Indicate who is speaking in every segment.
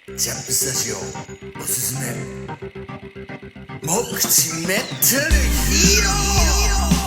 Speaker 1: ジャンプスタジオおすすめ目口メタルヒーロー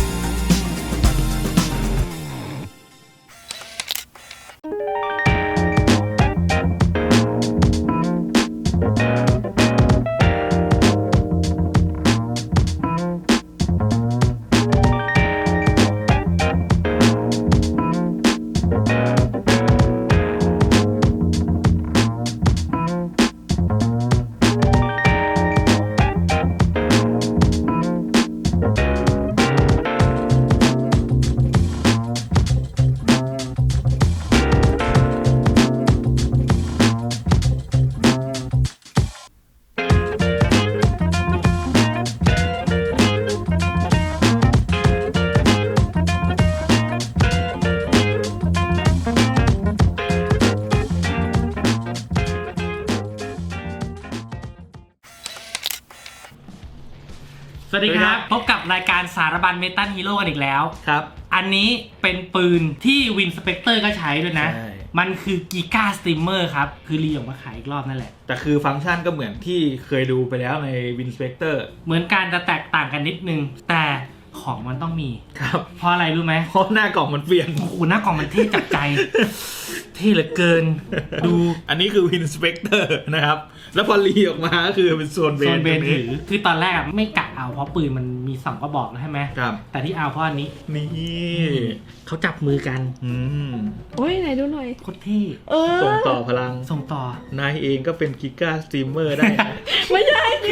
Speaker 2: สวัสดีครับพบกับรายการสารบัญเมตัลฮีโร่กันอีกแล้ว
Speaker 3: ครับ
Speaker 2: อันนี้เป็นปืนที่วินสเปกเตอร์ก็ใช้ด้วยนะ
Speaker 3: ใช่
Speaker 2: มันคือกีกาสตรีมเมอร์ครับคือรีออกมาขายอีกรอบนั่นแหละ
Speaker 3: แต่คือฟังก์ชันก็เหมือนที่เคยดูไปแล้วใน Winspector
Speaker 2: เหมือนการจะแตกต่างกันนิดนึง แต่ของมันต้องมี
Speaker 3: ครับ
Speaker 2: เพราะอะไรรู้ไหม
Speaker 3: เพราะหน้ากล่องมันเปลี่ยน
Speaker 2: โอ้โหหน้ากล่องมันเท่จับใจ เท่เหลือเกิน ดู
Speaker 3: อันนี้คือ Winspector นะครับ แล้วพอรีออกมาก็คือเป็นโซนเบ
Speaker 2: โซ
Speaker 3: น
Speaker 2: นเบน
Speaker 3: ตรง
Speaker 2: ถือคือตอนแรกอะไม่กะเอาเพราะปืนมันมี2กระบอกแล้วใช่ไหม
Speaker 3: ครับ
Speaker 2: แต่ที่เอาเพราะอันนี้
Speaker 3: นี่
Speaker 2: เขาจับมือกัน
Speaker 3: อืม
Speaker 4: โอ้ยไหนดูหน่อย
Speaker 2: โคตรเท่
Speaker 3: ส่งต่อพลัง
Speaker 2: ส่งต่อ
Speaker 3: นายเองก็เป็นกิก้าสตรีมเมอร์ได้นะ
Speaker 4: ไม่ใช่ดิ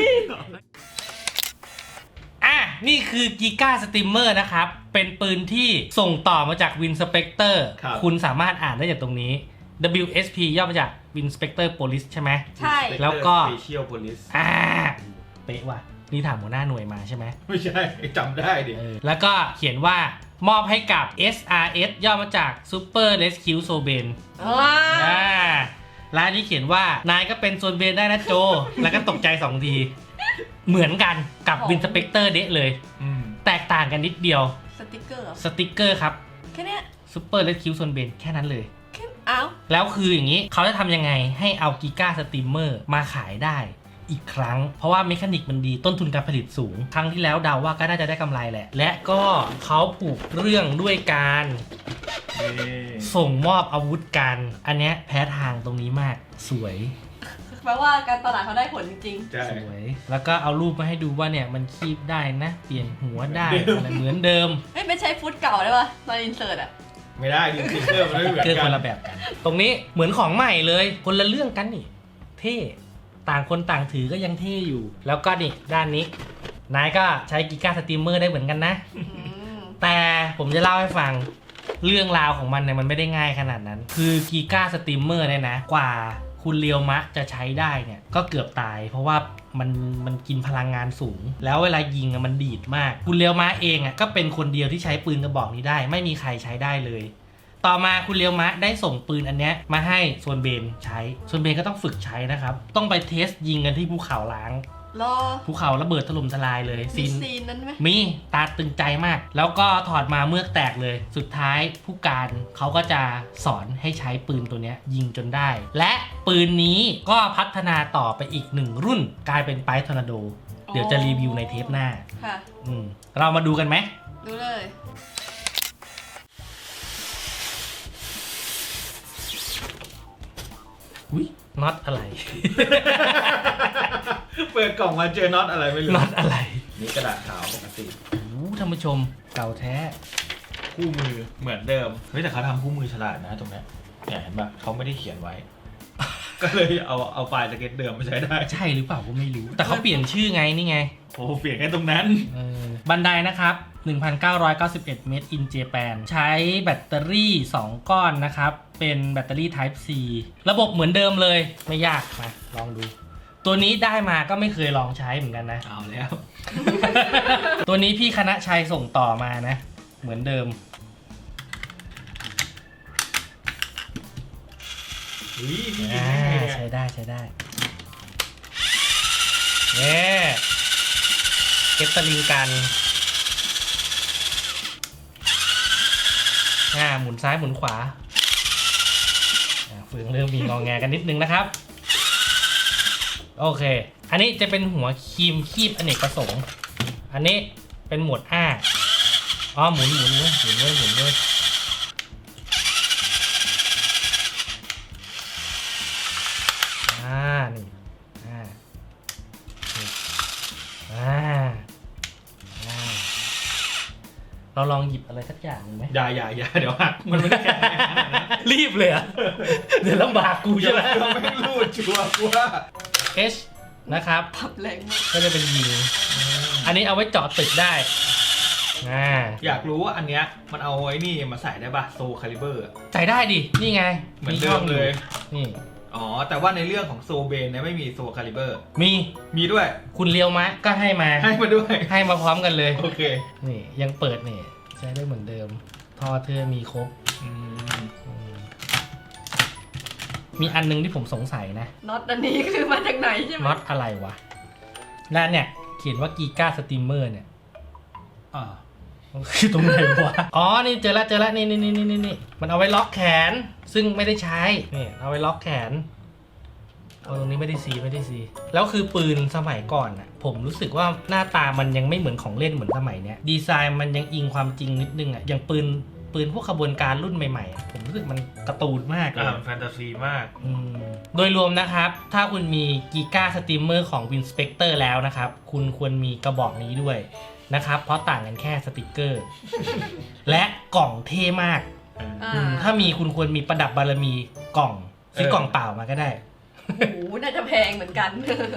Speaker 2: นี่คือกีกาสตรีมเมอร์นะครับ เป็นปืนที่ส่งต่อมาจากวินสเปกเตอร์
Speaker 3: ครับ
Speaker 2: คุณสามารถอ่านได้จากตรงนี้ WSP ย่อมาจาก Win Spectre Police ใช่ไหม
Speaker 4: ใช่
Speaker 2: แล้วก็
Speaker 3: Special Police
Speaker 2: เป๊ะว่ะ นี่ถามหัวหน้าหน่วยมาใช่ไหม
Speaker 3: ไม่ใช่จำได้ดิ
Speaker 2: แล้วก็เขียนว่ามอบให้กับ SRS ย่อมาจาก Super Rescue Soben และอันนี้เขียนว่านายก็เป็นโซนเบนได้นะโจ แล้วก็ตกใจ2 ทีเหมือนกันกับ Win Spectre เดะเลย
Speaker 3: อืม
Speaker 2: แตกต่างกันนิดเดียว
Speaker 4: สติกเกอร์เหรอ
Speaker 2: สติกเกอร์ครับ
Speaker 4: แค่เนี้ย
Speaker 2: Super Rescue Soben แค่นั้นเลย
Speaker 4: แค่อ้าว
Speaker 2: แล้วคืออย่างนี้เขาจะทำยังไงให้เอากีกาสตรีมเมอร์มาขายได้อีกครั้ง เพราะว่าเมคานิกมันดีต้นทุนการผลิตสูง ครั้งที่แล้วเดาว่าก็น่าจะได้กำไรแหละ และก็เขาผูกเรื่องด้วยการ
Speaker 3: นี่
Speaker 2: ส่งมอบอาวุธกัน อันเนี้ยแพ้ทางตรงนี้มากสวย
Speaker 4: แปลว่าการตลาดเขาได้ผลจริง
Speaker 3: ใช่
Speaker 2: สวย แล้วก็เอารูปมาให้ดูว่าเนี่ยมันคีบได้นะ เปลี่ยนหัวได้อะไรเหมือนเดิม
Speaker 4: ๆเฮ้ยไม่ใช้ฟุตเก่าได้ปะตอนอินเสิร์ตอะ
Speaker 3: ไม่ได้ดิสติกเกอร์มันไม่เหมือน
Speaker 2: เกิน
Speaker 3: กั
Speaker 2: คน นละแบบกัน ตรงนี้เหมือนของใหม่เลยคนละเรื่องกันนี่เท่ต่างคนต่างถือก็ยังเท่อยู่ แล้วก็นี่ด้านนี้นายก็ใช้กีกาสตรีมเมอร์ได้เหมือนกันนะ
Speaker 4: อืม
Speaker 2: แต่ผมจะเล่าให้ฟังเรื่องราวของมันเนี่ยมันไม่ได้ง่ายขนาดนั้น คือกีกาสตรีมเมอร์เนี่ยนะกว่าคุณเรียวมะจะใช้ได้เนี่ยก็เกือบตาย เพราะว่ามันกินพลังงานสูง แล้วเวลายิงอะมันดีดมาก คุณเรียวมะเองอะก็เป็นคนเดียวที่ใช้ปืนกระบอกนี้ได้ ไม่มีใครใช้ได้เลย ต่อมาคุณเรียวมะได้ส่งปืนอันเนี้ยมาให้ส่วนเบนใช้ส่วนเบนก็ต้องฝึกใช้นะครับต้องไปเทสยิงกันที่ภูเขาล้าง
Speaker 4: รอ
Speaker 2: ภูเขาระเบิดถล่มทลายเลย
Speaker 4: มีซีนนั้นไหม
Speaker 2: มีตาตึงใจมาก แล้วก็ถอดมาเมือกแตกเลย สุดท้ายผู้การเขาก็จะสอนให้ใช้ปืนตัวเนี้ยยิงจนได้ และปืนนี้ก็พัฒนาต่อไปอีก1 รุ่น กลายเป็นไปทอร์นาโด เดี๋ยวจะรีวิวในเทปหน้า
Speaker 4: ค่ะ
Speaker 2: เรามาดูกันไหม
Speaker 4: ดูเลย
Speaker 2: อุ้ยน็อตอะไร
Speaker 3: เปิดกล่องมาเจอน็อตอะไรไม่รู้
Speaker 2: น็อตอะไร
Speaker 3: นี่กระดาษขาวปกติ
Speaker 2: โอ้โหท่านผู้ชมเก่าแท้
Speaker 3: คู่มือเหมือนเดิม เฮ้ยแต่เขาทำคู่มือฉลาดนะตรงเนี้ยเนี่ยเห็นปะเขาไม่ได้เขียนไว้ ก็เลยเอาไฟล์สเก็ตเดิมมาใช้ได้
Speaker 2: ใช่หรือเปล่าก็ไม่รู้ แต่เขาเปลี่ยนชื่อไงนี่ไง
Speaker 3: โอ้เปลี่ยนแค่ตรงนั้น
Speaker 2: บันไดนะครับ 1,991 เมตร in Japan ใช้แบตเตอรี่ 2 ก้อนนะครับ เป็นแบตเตอรี่ Type C ระบบเหมือนเดิมเลย ไม่ยากมาลองดู ตัวนี้ได้มาก็ไม่เคยลองใช้เหมือนกันนะ
Speaker 3: เอาแล้ว
Speaker 2: ตัวนี้พี่คณะชัยส่งต่อมานะ เหมือนเดิม ใช้ได้ใช้ได้เนี่ยเก็บสลิงกันหมุนซ้ายหมุนขวาเฟืองเริ่มมีงอแงกันนิดนึงนะครับโอเค อันนี้จะเป็นหัวครีมคีบอเนกประสงค์ อันนี้เป็นหมวดอ้าอ๋อหมุนเว้ยหมุนเว้ยนี่เราลองหยิบอะไรสักอย่างหนึ่งไหม
Speaker 3: อย่าเดี๋ยวหักมันไม่ได้แข็งแรงขนาดนั้น
Speaker 2: รีบเลยอะเดี๋ยวลำบากกูใช่ไหม
Speaker 3: ไม่รูดชัวร์กูว่า
Speaker 2: H นะครับ
Speaker 4: พับแรงมาก
Speaker 2: ก็จะเป็นยิงอันนี้เอาไว้เจาะตึกได้
Speaker 3: อยากรู้ว่าอันเนี้ยมันเอาไอ้นี่มาใส่ได้ป่ะโซคาลิเบอร์
Speaker 2: ใส่ได้ดิ นี่ไง
Speaker 3: เหมือนเดิมเลย
Speaker 2: นี่
Speaker 3: อ๋อแต่ว่าในเรื่องของโซเบนเนี่ยไม่มีโซคาลิเบอร์
Speaker 2: มี
Speaker 3: ด้วย
Speaker 2: คุณเลียวมะก็ให้มา
Speaker 3: ด้วย
Speaker 2: ให้มาพร้อมกันเลย
Speaker 3: โอเค
Speaker 2: นี่ยังเปิดนี่ใช้ได้เหมือนเดิมท่อเธอมีครบ มีอันนึงที่ผมสงสัยนะ
Speaker 4: น็อตอันนี้คือมาจากไหนใช่ไหม
Speaker 2: น็อตอะไรวะและเนี่ยเขียนว่ากีก้าสตรีมเมอร์เนี่ยคือตรงไหนวะ อ๋อ นี่เจอแล้วนี่มันเอาไว้ล็อกแขน ซึ่งไม่ได้ใช้ นี่เอาไว้ล็อกแขนเอาตรงนี้ไม่ได้ซีแล้วคือปืนสมัยก่อนอ่ะ ผมรู้สึกว่าหน้าตามันยังไม่เหมือนของเล่นเหมือนสมัยเนี้ย ดีไซน์มันยังอิงความจริงนิดนึงอ่ะ อย่างปืนพวกขบวนการรุ่นใหม่ๆอ่ะผมรู้สึกมันการ์ตูนมากเลย
Speaker 3: แฟนตาซีมาก
Speaker 2: โดยรวมนะครับ ถ้าคุณมีกีก้าสตรีมเมอร์ของ Winspector แล้วนะครับ คุณควรมีกระบอกนี้ด้วยนะครับ เพราะต่างกันแค่สติกเกอร์ และกล่องเท่มาก ถ้ามีคุณควรมีประดับบารมีกล่องซื้อกล่องเปล่ามาก็ได้
Speaker 4: โอ้โหน่าจะแพงเหมือนกัน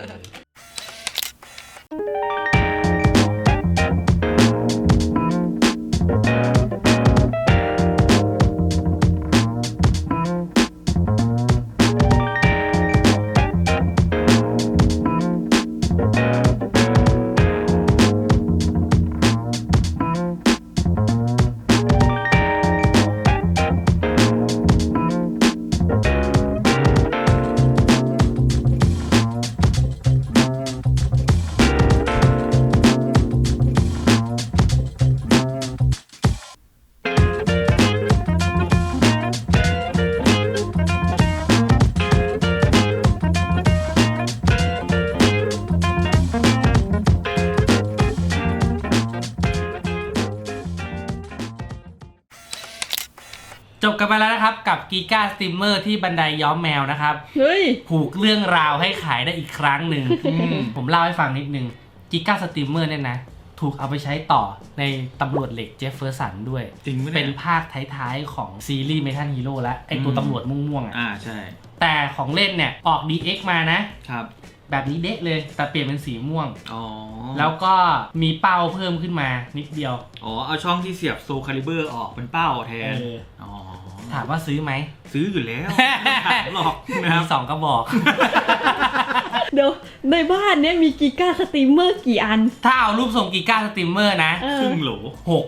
Speaker 2: จบกันไปแล้วนะครับกับกีก้าสตรีมเมอร์ที่บันไดย้อมแมวนะครับ
Speaker 4: เฮ้ย
Speaker 2: ผูกเรื่องราวให้ขายได้อีกครั้งหนึ่ง ผมเล่าให้ฟังนิดนึงกีก้าสตรีมเมอร์เนี่ยนะ ถูกเอาไปใช้ต่อในตำรวจเหล็กเจฟเฟอร์สันด้วย
Speaker 3: จริงไหมเนี่ย
Speaker 2: เป็นภาคท้ายๆของซีรีส์เมทัลฮีโร่และไอตัวตำรวจม่วงๆอ่ะ
Speaker 3: ใช่
Speaker 2: แต่ของเล่นเนี่ยออก DX มานะครับ แบบนี้เด็กเลยแต่เปลี่ยนเป็นสีม่วง
Speaker 3: อ๋อ
Speaker 2: แล้วก็มีเป้าเพิ่มขึ้นมานิดเดียว
Speaker 3: อ๋อเอาช่องที่เสียบโซคาลิเบอร์ออกเป็นเป้าแทน อ๋อ
Speaker 2: ถามว่าซื้อไหม
Speaker 3: ซื้ออยู่แล้วไม่ถามหรอกนะครับ
Speaker 2: มี2 กระบอก
Speaker 5: เดี๋ยวในบ้านเนี้ยมีกีก้าสตรีมเมอร์กี่อัน
Speaker 2: ถ้าเอารูปทรงกีก้าสตรีมเมอร์นะ
Speaker 3: ครึ่งโหล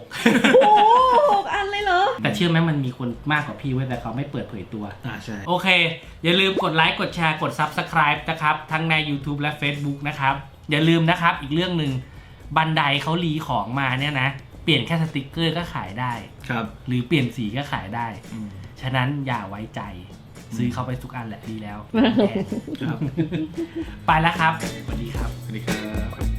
Speaker 2: 6
Speaker 5: โอ้โห6 อันเลยเหรอ
Speaker 2: แต่เชื่อไหมมันมีคนมากกว่าพี่เว้ยแต่เขาไม่เปิดเผยตัว
Speaker 3: ใช่
Speaker 2: โอเค อย่าลืมกดไลค์กดแชร์กด Subscribe นะครับ ทั้งใน YouTube และ Facebook นะครับ อย่าลืมนะครับอีกเรื่องหนึ่งบันไดเขารีของมาเนี่ยนะ เปลี่ยนแค่สติกเกอร์ก็ขายได้
Speaker 3: ครับ
Speaker 2: หรือเปลี่ยนสีก็ขายได้ ฉะนั้นอย่าไว้ใจซื้อเข้าไปทุกอันแหละดีแล้ว
Speaker 3: ครับ
Speaker 2: ไปแล้วครับ สวัสดีครับ
Speaker 3: สวัสดีครับ